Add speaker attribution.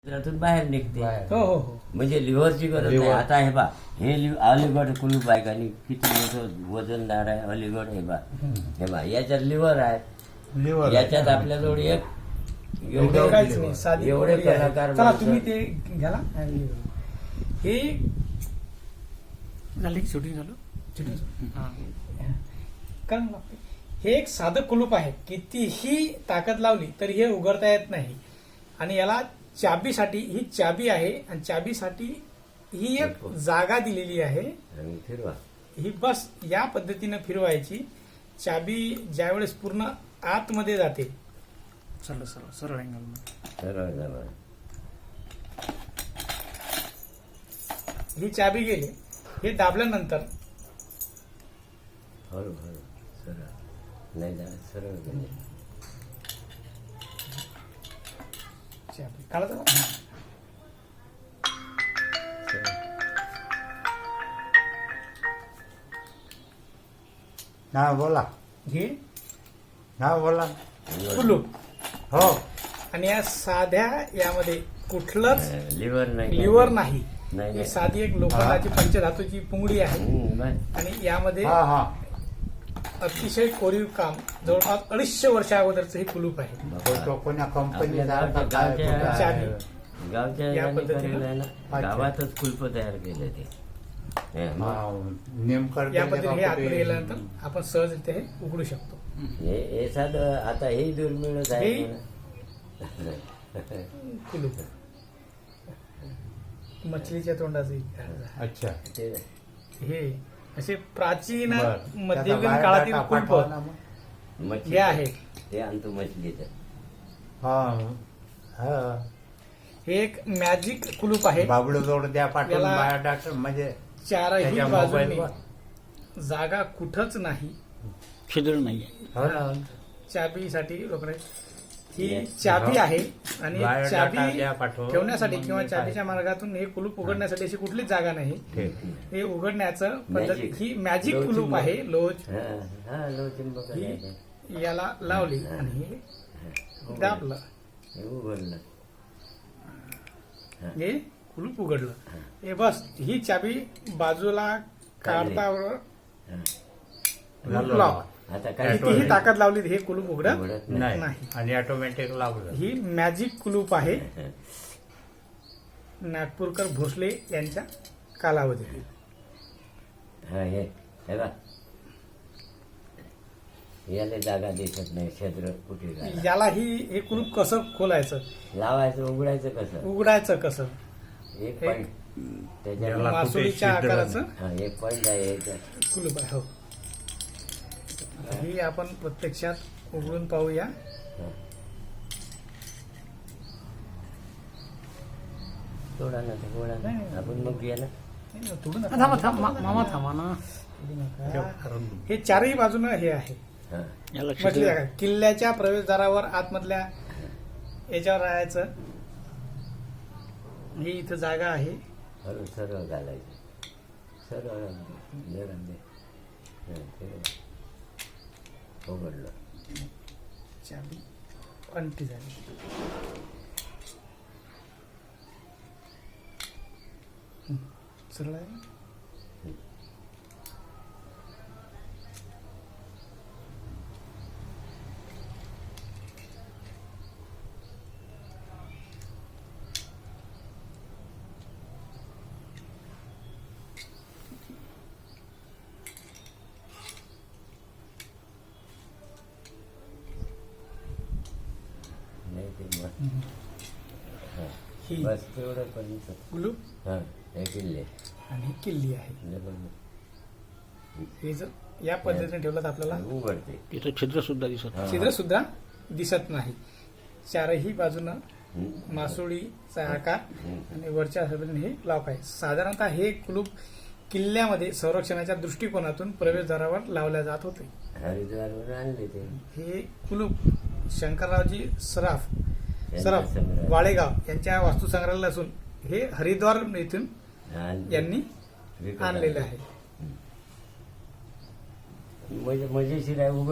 Speaker 1: त्यातून बाहेर निघते.
Speaker 2: हो हो हो
Speaker 1: म्हणजे लिव्हरची गरज नाही. आता हे बा हे अलीगड कुलूप आहे का नाही, किती मोठं वजनदार आहे अलीगड. हे बा याच्यात लिव्हर आहे.
Speaker 3: लिव्हर
Speaker 1: याच्यात आपल्याजवळ एक
Speaker 2: एवढं काहीच नाही, साधी
Speaker 1: एवढे
Speaker 2: कोळी आहे.
Speaker 1: कलाकार
Speaker 2: चला
Speaker 1: माणसं-
Speaker 2: तुम्ही ते घ्या ना. हे
Speaker 4: झाली शूटिंग झालं.
Speaker 2: कारण हे एक साधं कुलूप आहे. कितीही ताकद लावली तरी हे उघडता येत नाही. आणि याला चाबीसाठी ही चाबी आहे आणि चाबीसाठी ही एक जागा दिलेली आहे.
Speaker 1: आणि फिरवा.
Speaker 2: ही बस या पद्धतीनं फिरवायची. चाबी ज्यावेळेस पूर्ण आतमध्ये जाते
Speaker 4: सरळ सरळ सरळ अँगल.
Speaker 1: सरळ जवळ.
Speaker 2: ही चाबी गेली. हे दाबल्यानंतर
Speaker 1: हळू हळू सरळ नाही जा सरळ गेले.
Speaker 2: चाबी काढा.
Speaker 1: सरळ.
Speaker 3: ना बोला
Speaker 2: हे
Speaker 3: ना बोला
Speaker 2: कुलूप.
Speaker 3: हो
Speaker 2: आणि या साध्या यामध्ये कुठलंच
Speaker 1: लिव्हर नाही.
Speaker 2: लिव्हर नाही.
Speaker 1: नाही,
Speaker 2: ही
Speaker 1: नाही.
Speaker 2: साधी एक लोखंडाची पंचधातूची पुंगडी आहे.
Speaker 1: बस.
Speaker 2: आणि यामध्ये
Speaker 3: हा हा
Speaker 2: अतिशय कोरीव काम जवळपास 250 वर्षा अगोदरचं हे कुलूप आहे.
Speaker 3: तो कोण्या कंपनी
Speaker 1: आपल्या गावच्या-
Speaker 2: चाबी.
Speaker 1: गावच्या
Speaker 2: या
Speaker 1: याने
Speaker 2: पद्धतीनं?
Speaker 1: करेल आहे ना.
Speaker 3: अच्छा.
Speaker 1: गावातच कुलप तयार केले ते. हे मग
Speaker 3: नेमकर
Speaker 2: या पद्धतीने हे आतमध्ये गेल्यानंतर आपण सहजरित्या हे उघडू शकतो.
Speaker 1: हे साधं आता हे दुर्मिळच आहे
Speaker 2: हे-
Speaker 1: म्हणा.
Speaker 2: कुलूप मछलीच्या तोंडाचं इतिहास आहे.
Speaker 3: अच्छा
Speaker 1: ते
Speaker 2: हे असे प्राचीन
Speaker 3: बरं.
Speaker 2: मध्ययुगीन
Speaker 3: त्याचा
Speaker 2: काळातील
Speaker 3: बायोडाटा
Speaker 2: कुलप
Speaker 3: पाठवा ना मग.
Speaker 1: मच्छी
Speaker 2: हे आहे.
Speaker 1: ते आणतो मछलीचं.
Speaker 3: हा हा
Speaker 2: हे एक मॅजिक कुलूप आहे.
Speaker 3: बाबडू जोड द्या पाठवून
Speaker 2: याला-
Speaker 3: बायोडाटा म्हणजे
Speaker 2: चारही
Speaker 3: त्याच्या
Speaker 2: बाजूने
Speaker 3: मोबाईलवर.
Speaker 2: जागा कुठंच नाही.
Speaker 4: छिद्र नाहीये.
Speaker 3: हो ना
Speaker 2: चाबीसाठी वगैरे ही
Speaker 1: Yes.
Speaker 2: चाबी आहे. आणि
Speaker 3: बायोडाटा
Speaker 2: चाबी
Speaker 3: द्या पाठवून.
Speaker 2: ठेवण्यासाठी
Speaker 3: मग
Speaker 2: किंवा
Speaker 3: मी
Speaker 2: चाबीच्या मार्गातून हे कुलूप उघडण्यासाठी अशी कुठलीच जागा नाही.
Speaker 3: ठीक.
Speaker 2: हे उघडण्याचं पद्धत
Speaker 1: Magic.
Speaker 2: ही मॅजिक
Speaker 1: लोचिंबक.
Speaker 2: कुलूप आहे. लोच
Speaker 1: हा हा लोचिंबक आहे ते.
Speaker 2: ही याला लावली आणि हे दाबलं.
Speaker 1: हे उघडलं.
Speaker 2: हे कुलूप उघडलं. हे बस ही चाबी बाजूला काढता
Speaker 3: झालं.
Speaker 2: लावा.
Speaker 1: आता काय
Speaker 2: कितीही ताकद लावली हे कुलूप उघडत
Speaker 1: उघडत
Speaker 3: नाही
Speaker 2: नाही.
Speaker 3: आणि ऑटोमॅटिक लावलं.
Speaker 2: ही मॅजिक कुलूप आहे. नागपूरकर भोसले यांच्या कालावधीतील.
Speaker 1: हा हे हे बा याला जागा दिसत नाही. क्षेत्र कुठे घाला.
Speaker 2: याला हे कुलूप कसं खोलायचं,
Speaker 1: लावायचं उघडायचं कसं.
Speaker 2: उघडायचं कसं,
Speaker 1: एक
Speaker 2: हे-
Speaker 1: पॉईंट त्याच्या
Speaker 3: याला कुठे
Speaker 2: मासुळीच्या
Speaker 3: छिद्र
Speaker 2: आकाराचं
Speaker 1: हा एक पॉईंट आहे याच्यात.
Speaker 2: कुलूप आहे. हो ही आपण प्रत्यक्षात उघडून पाहूया.
Speaker 1: हा. सोडा ना ते सोडा ना.
Speaker 2: नाही.
Speaker 1: आपण मग घ्या ना.
Speaker 2: नाही, तोडू नका.
Speaker 4: थांबा थांबा मामा थांबा ना.
Speaker 2: तोडू नका. हे चारही बाजूनं हे आहे
Speaker 1: हा.
Speaker 4: याला
Speaker 2: म्हटली
Speaker 4: छिद्र
Speaker 2: जागा. किल्ल्याच्या प्रवेशद्वारावर आतमधल्या याच्यावर राहायचं. ही इथं जागा आहे.
Speaker 1: हळू सरळ घालायचं. सरळ जरा दे. हा, ते उघडलं.
Speaker 2: चाबी अंटी झाली. सरळ आहे.
Speaker 1: नाही ते मग हा.
Speaker 2: ही
Speaker 1: बस तेवढं पण
Speaker 2: कुलूप
Speaker 1: हा हे किल्ले
Speaker 2: आणि किल्ली आहे.
Speaker 1: जबरदस्त.
Speaker 2: हे जर या पद्धतीने ठेवलं तर आपल्याला
Speaker 1: उघडते.
Speaker 4: तिथं छिद्र सुद्धा दिसत
Speaker 1: हा.
Speaker 2: छिद्र सुद्धा दिसत नाही. चारही बाजूनं
Speaker 1: हम्म.
Speaker 2: मासोळीचा आकार
Speaker 1: हम्म.
Speaker 2: आणि वरच्या बाजूने हे लॉक आहे. साधारणतः हे कुलूप किल्ल्यामध्ये संरक्षणाच्या दृष्टिकोनातून प्रवेशद्वारावर लावल्या जात होते.
Speaker 1: हरिद्वारवरून आणले ते.
Speaker 2: हे कुलूप शंकररावजी सराफ
Speaker 1: यांचा संग्रह.
Speaker 2: वाळेगाव यांच्या वास्तुसंग्रहालय असून हे हरिद्वार येथून
Speaker 1: आणले.
Speaker 2: यांनी
Speaker 1: विकत
Speaker 2: आणलेले आहे.
Speaker 1: मजेशीर आहे. उघड